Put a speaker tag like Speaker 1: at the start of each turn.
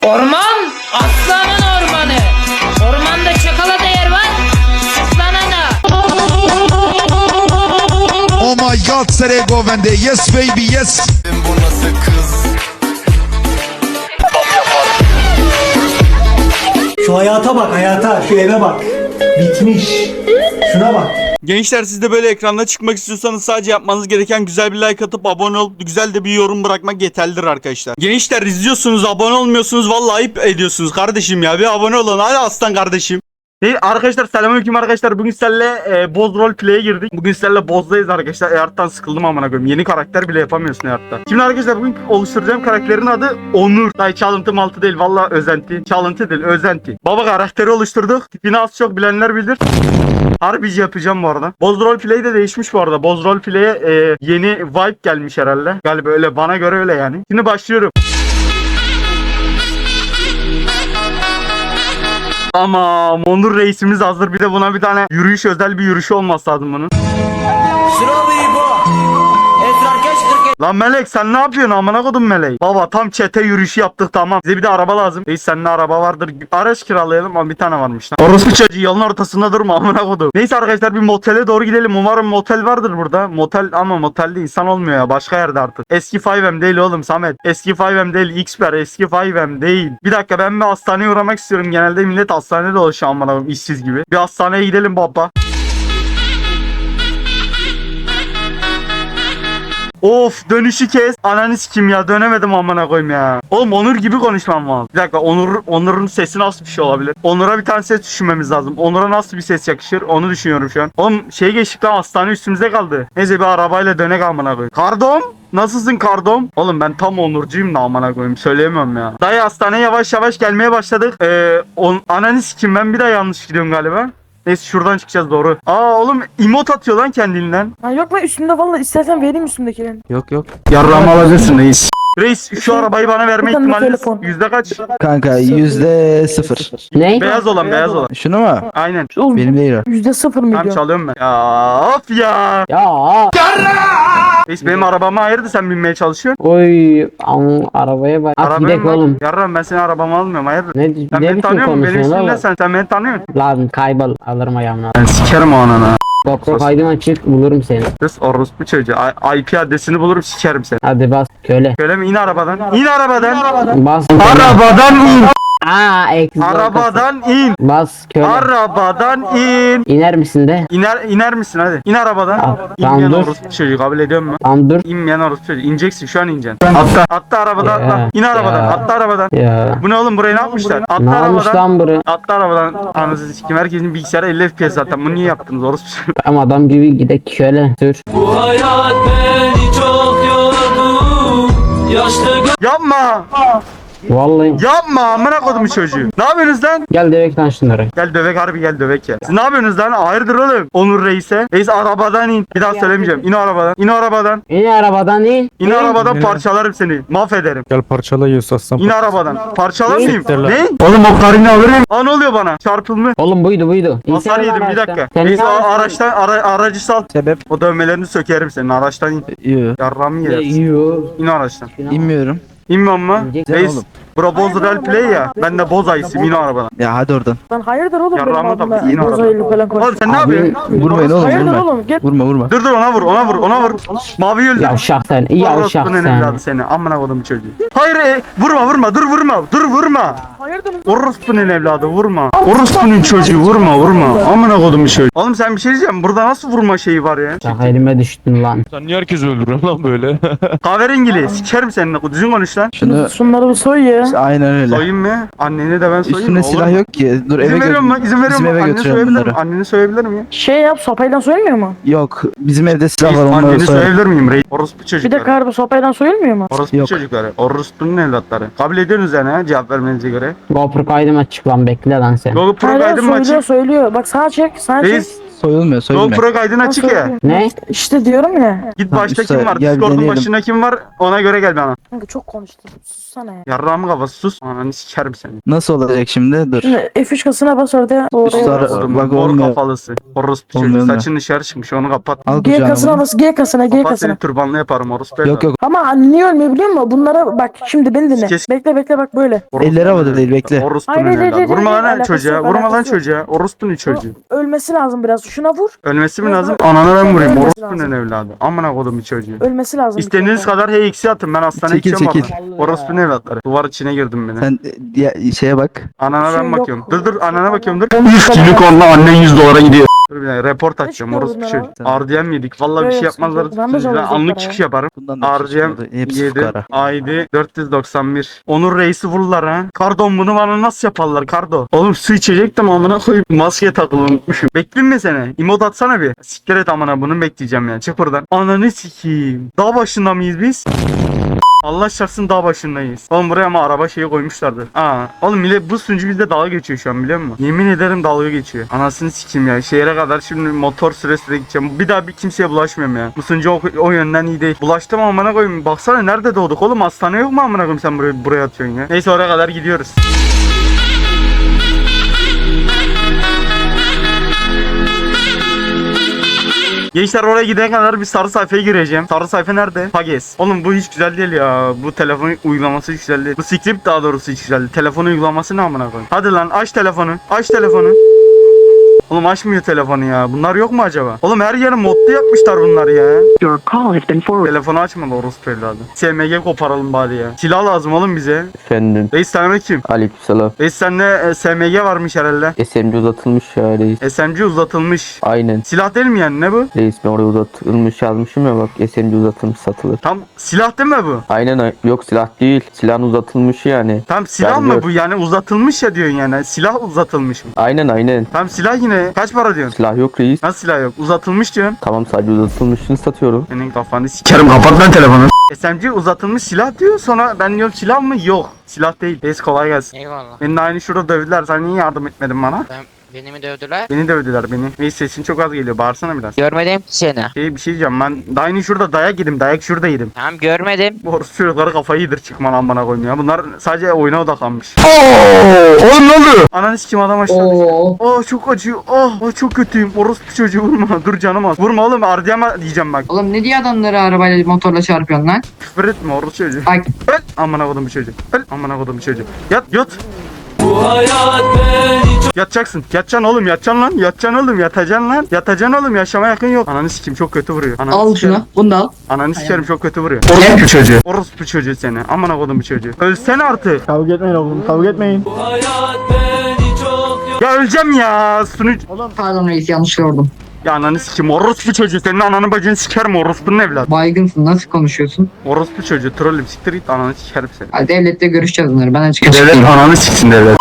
Speaker 1: Orman aslanın ormanı. Ormanda çakala da yer var. Aslana da.
Speaker 2: Oh my god, Serego Vende. Yes baby, yes.
Speaker 3: Bu nasıl kız?
Speaker 4: Şu hayata bak, hayata, şu eve bak. Bitmiş. Şuna bak.
Speaker 5: Gençler, siz de böyle ekranda çıkmak istiyorsanız sadece yapmanız gereken güzel bir like atıp abone olup güzel de bir yorum bırakmak yeterlidir arkadaşlar. Gençler, izliyorsunuz, abone olmuyorsunuz, vallahi ayıp ediyorsunuz kardeşim ya. Bir abone olun hadi aslan kardeşim. Hey arkadaşlar, selamünaleyküm arkadaşlar. Bugün sizlerle Boz Roleplay'e girdik. Bugün sizlerle Boz'dayız arkadaşlar. Earth'tan sıkıldım amına koyayım. Yeni karakter bile yapamıyorsun Earth'ta. Şimdi arkadaşlar bugün oluşturacağım karakterin adı Onur. Dayı çalıntı maltı değil, vallahi özenti. Çalıntı değil, özenti. Baba karakteri oluşturduk. Tipini az çok bilenler bilir. Harbici yapacağım bu arada. Boz Roleplay de değişmiş bu arada. Boz Roleplay'e yeni vibe gelmiş herhalde. Galiba öyle, bana göre öyle yani. Şimdi başlıyorum. Ama Onur reisimiz hazır. Bir de buna bir tane yürüyüş, özel bir yürüyüş olması lazım bunun. Lan Melek, sen ne yapıyorsun amına kodum Melek? Baba tam çete yürüyüşü yaptık, tamam. Bize bir de araba lazım. Reis, sende araba vardır. Araç kiralayalım ama bir tane varmış lan. Orospu çocuğu yolun ortasında durma amına kodum. Neyse arkadaşlar, bir motele doğru gidelim. Umarım motel vardır burada. Motel, ama motelde insan olmuyor ya. Başka yerde artık. Eski 5M değil oğlum Samet. Eski 5M değil Xper. Eski 5M değil. Bir dakika, ben bir hastaneye uğramak istiyorum. Genelde millet hastanede dolaşıyor amına kodum, işsiz gibi. Bir hastaneye gidelim baba. Of, dönüşü kes. Ananı sikim ya, dönemedim amına koyayım ya. Oğlum Onur gibi konuşmam lazım. Bir dakika, Onur'un sesi nasıl bir şey olabilir? Onur'a bir tane ses düşünmemiz lazım. Onur'a nasıl bir ses yakışır onu düşünüyorum şu an. Oğlum şey geçtik lan, hastane üstümüze kaldı. Neyse bir arabayla dönek amına koyayım. Kardom? Nasılsın Kardom? Oğlum ben tam Onurcuyum da amına koyayım, söyleyemem ya. Dayı, hastaneye yavaş yavaş gelmeye başladık. Ananı sikim, ben bir daha yanlış gidiyorum galiba. Neyse şuradan çıkacağız doğru. Aa oğlum, emot atıyor lan kendinden.
Speaker 6: Ha yok lan, üstümde vallahi, istersen vereyim üstümdekilerini.
Speaker 7: Yok.
Speaker 5: Yarrağımı alabilirsin reis. Reis, şu arabayı bana verme
Speaker 6: Buradan bir
Speaker 5: ihtimaliniz
Speaker 6: telefon.
Speaker 5: yüzde kaç?
Speaker 7: Kanka %0.
Speaker 1: Ne?
Speaker 5: Beyaz olan.
Speaker 7: Şunu mu?
Speaker 5: Aynen.
Speaker 6: Oğlum
Speaker 7: Benim değil o.
Speaker 6: %0
Speaker 5: Tamam,
Speaker 6: milyon.
Speaker 5: çalıyorum ben. Ya of ya.
Speaker 1: Ya.
Speaker 5: Reis, benim arabama ayırdı, sen binmeye çalışıyorsun.
Speaker 1: Oy. Arabaya bak. At
Speaker 5: Arabaya
Speaker 1: gidek
Speaker 5: mı?
Speaker 1: oğlum.
Speaker 5: Yarrağım, ben senin arabamı almıyorum, hayırdır?
Speaker 1: Ne
Speaker 5: Sen
Speaker 1: biçim
Speaker 5: beni tanıyor musun? Benim
Speaker 1: konuşuyorsun
Speaker 5: ismim ne,
Speaker 1: oğlum?
Speaker 5: sen beni tanıyor musun?
Speaker 1: Lan kaybol, alırım ayağımdan.
Speaker 5: Ben sikerim o anana.
Speaker 1: GoPro kaydım açık, bulurum seni.
Speaker 5: Kız orospu çocuğu. IP adresini bulurum, sikerim seni.
Speaker 1: Hadi bas köle.
Speaker 5: Şöyle mi? İn arabadan. İn arabadan.
Speaker 1: Bas.
Speaker 5: Arabadan in.
Speaker 1: Eksi
Speaker 5: Arabadan in.
Speaker 1: Bas köle.
Speaker 5: Arabadan in.
Speaker 1: İner misin de?
Speaker 5: İner misin hadi. İn arabadan.
Speaker 1: Tamam,
Speaker 5: İnmeyen
Speaker 1: dur.
Speaker 5: orospu çocuğu, kabul ediyor musun?
Speaker 1: Tamam dur.
Speaker 5: İnmeyen orospu çocuğu. İneceksin, şu an ineceksin. Atla arabadan,
Speaker 1: Ya,
Speaker 5: atla. İn arabadan,
Speaker 1: ya.
Speaker 5: atla arabadan.
Speaker 1: Ya.
Speaker 5: Bu ne oğlum, burayı ne yapmışlar? Atla
Speaker 1: Ne olmuş
Speaker 5: arabadan.
Speaker 1: lan buraya?
Speaker 5: Atla arabadan. Anasını sikim, herkesin bilgisayarı 50 FPS zaten. Bunu niye yaptınız orospu çocuğu?
Speaker 1: Tamam, adam gibi gidek köle. Sür.
Speaker 5: Yapma.
Speaker 1: Vallahi.
Speaker 5: Yapma amına kodumu çocuğu. Ne yapıyorsunuz lan?
Speaker 1: Gel direkt lan şunları.
Speaker 5: Gel dövek, harbi gel dövek ya. Siz ne yapıyorsunuz lan? Hayırdır oğlum? Onur reise. Reis arabadan in. Bir daha söylemeyeceğim. İn arabadan. İn arabadan.
Speaker 1: İn arabadan in.
Speaker 5: İn arabadan, parçalarım seni. Mahvederim.
Speaker 7: Gel parçala yiyorsa aslan.
Speaker 5: İn arabadan. Parçalamayayım.
Speaker 7: Ne?
Speaker 5: Ne? Oğlum o karını alırım. Aa, ne oluyor bana? Çarpılma.
Speaker 1: Oğlum buydu.
Speaker 5: Hasar
Speaker 1: İnsene
Speaker 5: yedim, bir
Speaker 1: araçtan.
Speaker 5: dakika.
Speaker 1: Sen
Speaker 5: Reis
Speaker 1: ne
Speaker 5: araçtan aracı sal.
Speaker 7: Sebep?
Speaker 5: O dövmelerini sökerim senin. Araçtan in.
Speaker 7: Yok.
Speaker 5: Yarramı yersin.
Speaker 1: Yiyor.
Speaker 5: İn araçtan.
Speaker 7: İnmiyorum.
Speaker 5: İnmem mi?
Speaker 1: İneceksin
Speaker 5: Reis.
Speaker 7: oğlum.
Speaker 5: Bro Boz Roleplay ya. Ben de Boz ayısıyım. İn arabadan.
Speaker 7: Ya hadi oradan.
Speaker 6: Lan hayırdır oğlum, benim
Speaker 5: Yarrağıma da
Speaker 6: adımda
Speaker 5: yine
Speaker 6: bozaylı falan
Speaker 5: Oğlum
Speaker 6: konuş.
Speaker 5: sen ne yapıyorsun?
Speaker 7: Vurmayın oğlum,
Speaker 6: Hayırdır
Speaker 7: vurma.
Speaker 6: oğlum, gel.
Speaker 7: Vurma.
Speaker 5: Dur ona vur. Mavi öldü.
Speaker 1: Yavşak sen. Yavşak
Speaker 5: Orospunun
Speaker 1: sen.
Speaker 5: evladı seni. Amına kodum çocuğu. Hayır vurma. Dur vurma.
Speaker 6: Hayırdır oğlum.
Speaker 5: Orospunun evladı vurma. Orospunun çocuğu vurma. Amına kodum çocuğu. Oğlum sen bir şey diyeceğim. Burada nasıl vurma şeyi var ya?
Speaker 1: Bak elime düştün lan.
Speaker 8: Sen niye herkes öldürüyorsun lan böyle?
Speaker 5: Kahverengili. Sikerim seninle. Düzgün konuş lan.
Speaker 7: Şunu
Speaker 6: Şunları bir soy ya.
Speaker 7: aynen öyle.
Speaker 5: Soyayım mı? Anneni de ben soyayım
Speaker 7: Üstünde
Speaker 5: mı?
Speaker 7: silah
Speaker 5: Olur mu?
Speaker 7: yok ki. Dur eve
Speaker 5: İzin veriyorum mu? İzin veriyorum
Speaker 7: Bizim
Speaker 5: mu?
Speaker 7: eve
Speaker 5: Anneni
Speaker 7: götürüyorum
Speaker 5: soyabilir
Speaker 7: bunları.
Speaker 5: miyim? Anneni soyabilir miyim?
Speaker 6: Şey yap, sopayla soyulmuyor mu?
Speaker 7: Yok. Bizim evde silah var, onları
Speaker 5: Anneni
Speaker 7: soyalım.
Speaker 5: soyabilir miyim? Orospu
Speaker 6: Bir
Speaker 5: çocukları.
Speaker 6: de karbu sopayla soyulmuyor mu?
Speaker 5: Orospu
Speaker 7: Yok.
Speaker 5: çocukları. Orospunun evlatları. Kabul ediyorsunuz yani ha, cevap vermenize göre.
Speaker 1: GoPro kaydım açık lan, bekle lan sen.
Speaker 5: Google Pro
Speaker 6: Hayır,
Speaker 5: kaydım mı açık?
Speaker 6: söylüyor. Bak sağa çek, sağa çek.
Speaker 5: Reis
Speaker 7: Soyulmuyor soyulmuyor.
Speaker 5: GoPro kaydın açık ya.
Speaker 6: Ne? İşte diyorum ya.
Speaker 5: Git
Speaker 7: Tamam,
Speaker 5: başta
Speaker 7: usta,
Speaker 5: kim var?
Speaker 7: gel bir
Speaker 5: Discord'un
Speaker 7: deneyelim.
Speaker 5: başında kim var? Ona göre gel bana.
Speaker 6: Kanka çok konuştun. Sussana ya.
Speaker 5: Yarrağımı kafası sus. Ananı sikerim seni.
Speaker 7: Nasıl olacak şimdi? Dur.
Speaker 6: Şimdi F3 kasına bas orada.
Speaker 7: Sonra-
Speaker 5: Oğlum,
Speaker 7: bak
Speaker 5: mor
Speaker 7: olmuyor.
Speaker 5: kafalısı. Orospu
Speaker 7: Olmuyor
Speaker 5: çocuğu.
Speaker 7: mu?
Speaker 5: Saçın dışarı çıkmış onu kapat.
Speaker 7: Al
Speaker 6: G
Speaker 7: kucağına
Speaker 6: kasına
Speaker 7: bunu.
Speaker 6: bas. G kasına. G
Speaker 5: Kapat seni
Speaker 6: kasına.
Speaker 5: türbanlı yaparım orospu.
Speaker 7: Yok yok.
Speaker 6: Ama niye ölmüyor biliyor musun? Bunlara bak şimdi beni dinle.
Speaker 5: Kes.
Speaker 6: Bekle bak böyle.
Speaker 7: Elleri havada değil, bekle.
Speaker 5: Orospunun
Speaker 6: Hayır, hayır,
Speaker 5: evladı.
Speaker 6: hayır,
Speaker 5: Vurma
Speaker 6: hayır,
Speaker 5: lan
Speaker 6: alakası
Speaker 5: çocuğa.
Speaker 6: yok,
Speaker 5: Vurma lan
Speaker 6: alakası yok.
Speaker 5: çocuğa. Orospunun çocuğu.
Speaker 6: Ölmesi lazım biraz. Şuna vur.
Speaker 5: Ölmesi mi
Speaker 6: Yok,
Speaker 5: lazım?
Speaker 6: yok.
Speaker 5: Anana ben vurayım.
Speaker 6: Ölmesi
Speaker 5: Orospunun
Speaker 6: lazım.
Speaker 5: evladı. Amına kodum bir çocuğu.
Speaker 6: Ölmesi lazım. bir
Speaker 5: İstediğiniz
Speaker 6: kere.
Speaker 5: kadar HX'i atın. Ben hastaneye
Speaker 7: Çekil,
Speaker 5: gideceğim
Speaker 7: çekil.
Speaker 5: orada. Orospunun evlatları. Duvar içine girdim beni.
Speaker 7: Sen şeye bak.
Speaker 5: Anana
Speaker 6: Şey
Speaker 5: ben
Speaker 6: yok.
Speaker 5: bakıyorum. Dur anana bakıyorum dur.
Speaker 6: Üstünü
Speaker 5: konuda annen 100 dolara gidiyor. Dur bir dakika report açacağım
Speaker 6: çıkıyor
Speaker 5: orospu
Speaker 6: bunlar
Speaker 5: çocuğu. RDM yedik. Vallahi bir
Speaker 6: Yok,
Speaker 5: şey
Speaker 6: yok,
Speaker 5: yapmazlar.
Speaker 6: sıkıntı yok. Ben de
Speaker 5: Ben
Speaker 6: zorlayacak
Speaker 5: anlık
Speaker 6: para
Speaker 5: çıkış
Speaker 6: ya.
Speaker 5: yaparım.
Speaker 7: Bundan da bir şey
Speaker 5: RDM
Speaker 7: çıkmadı. Hepsi
Speaker 5: 7
Speaker 7: fukara.
Speaker 5: ID 491. Onur Reis'i vururlar ha. Kardon bunu bana nasıl yaparlar Kardo? Oğlum su içecektim amına koyayım. Maske takılı unutmuşum. Bekleyeyim mi seni? Emot atsana bir. Siktir et amına bunu bekleyeceğim ya. Çık buradan. Ananı sikeyim. Dağ başında mıyız biz? Allah şarsın dağ başındayız. Oğlum buraya ama araba şeyi koymuşlardı. Oğlum millet bu sunucu bizde dalga geçiyor şu an biliyor musun? Yemin ederim dalga geçiyor. Anasını sikeyim ya. Şehre kadar şimdi motor süresiyle gideceğim. Bir daha bir kimseye bulaşmıyorum ya. Bu sunucu o yönden iyi değil. Bulaştım amına koyayım. Baksana nerede doğduk oğlum? Hastane yok mu amına koyayım sen buraya atıyorsun ya. Neyse oraya kadar gidiyoruz. Gençler oraya gidene kadar bir sarı sayfaya gireceğim. Sarı sayfa nerede? Pages. Oğlum bu hiç güzel değil ya. Bu telefon uygulaması hiç güzel değil. Bu script daha doğrusu hiç güzel değil. Telefon uygulaması ne amına koyayım? Hadi lan aç telefonu. Aç telefonu. Oğlum açmıyor telefonu ya. Bunlar yok mu acaba? Oğlum her yeri modlu yapmışlar bunlar ya.
Speaker 3: Your call has been forwarded.
Speaker 5: Telefonu açmadı orospu evladı. SMG koparalım bari ya. Silah lazım oğlum bize.
Speaker 9: Efendim.
Speaker 5: Reis sen kim?
Speaker 9: Aleykümselam.
Speaker 5: Reis sende SMG varmış herhalde.
Speaker 9: SMG uzatılmış ya reis.
Speaker 5: SMG uzatılmış.
Speaker 9: Aynen.
Speaker 5: Silah değil mi yani ne bu?
Speaker 9: Reis ben oraya uzatılmış yazmışım ya bak. SMG uzatılmış satılır.
Speaker 5: Tam silah değil mi bu?
Speaker 9: Aynen yok silah değil. Silahın uzatılmışı yani.
Speaker 5: Tam silah
Speaker 9: Ben
Speaker 5: mı
Speaker 9: gör-
Speaker 5: bu yani uzatılmış ya diyorsun yani. Silah uzatılmış mı?
Speaker 9: Aynen.
Speaker 5: Tam silah yine kaç para diyorsun?
Speaker 9: Silah yok reis.
Speaker 5: Nasıl silah yok? Uzatılmış diyorsun.
Speaker 9: Tamam sadece uzatılmışını satıyorum.
Speaker 5: Senin kafanı sikerim kapat lan telefonu. SMG uzatılmış silah diyor sonra ben diyorum silah mı? Yok. Silah değil. Reis kolay gelsin.
Speaker 1: Eyvallah.
Speaker 5: Beni de aynı şurada dövdüler. Sen niye yardım etmedin bana?
Speaker 1: Beni mi dövdüler?
Speaker 5: Beni dövdüler beni. Reis sesin çok az geliyor. Bağırsana biraz.
Speaker 1: Görmedim ki seni.
Speaker 5: Bir şey diyeceğim ben. Daha aynı şurada dayak yedim. Dayak şurada yedim.
Speaker 1: Tamam görmedim.
Speaker 5: Bu orospu çocukları kafayı yedir çıkma lan bana koyayım ya. Bunlar sadece oyuna odaklanmış.
Speaker 7: Oğlum ne oluyor?
Speaker 5: Ananı sikim adam aşağı düştü. Çok acıyor. Çok kötüyüm. Orospu çocuğu vurma. Dur canım az. Vurma oğlum. Ardiyama diyeceğim bak.
Speaker 3: Oğlum ne diye adamları arabayla motorla çarpıyorsun lan?
Speaker 5: Küfür etme orospu çocuğu.
Speaker 3: Bak
Speaker 5: Öl. Amına kodum bir çocuğu. Öl. Amına kodum bir çocuğu. Yat. Yatacaksın. Yatacaksın oğlum. Yatacaksın lan. Yatacaksın oğlum. Yatacaksın lan. Yatacaksın oğlum. Yaşama yakın yok. Ananı sikim çok kötü vuruyor. Ananı
Speaker 3: al
Speaker 5: sikerim.
Speaker 3: şunu. Bunu da al.
Speaker 5: Ananı sikerim çok kötü vuruyor. Orospu çocuğu. Orospu çocuğu seni. Amına kodum bir çocuğu. Ölsene artık.
Speaker 4: Kavga etmeyin oğlum, kavga etmeyin.
Speaker 5: Ya öleceğim ya.
Speaker 3: Pardon reis yanlış gördüm.
Speaker 5: Ya ananı sikim. Orospu çocuğu. Senin ananı bacını sikerim. Orospunun evladı.
Speaker 3: Baygınsın nasıl konuşuyorsun?
Speaker 5: Orospu çocuğu. Trollüm siktir git. Ananı sikerim seni.
Speaker 3: Hadi devlette görüşeceğiz bunları. Ben açık
Speaker 5: Devlet ananı siksin devlet.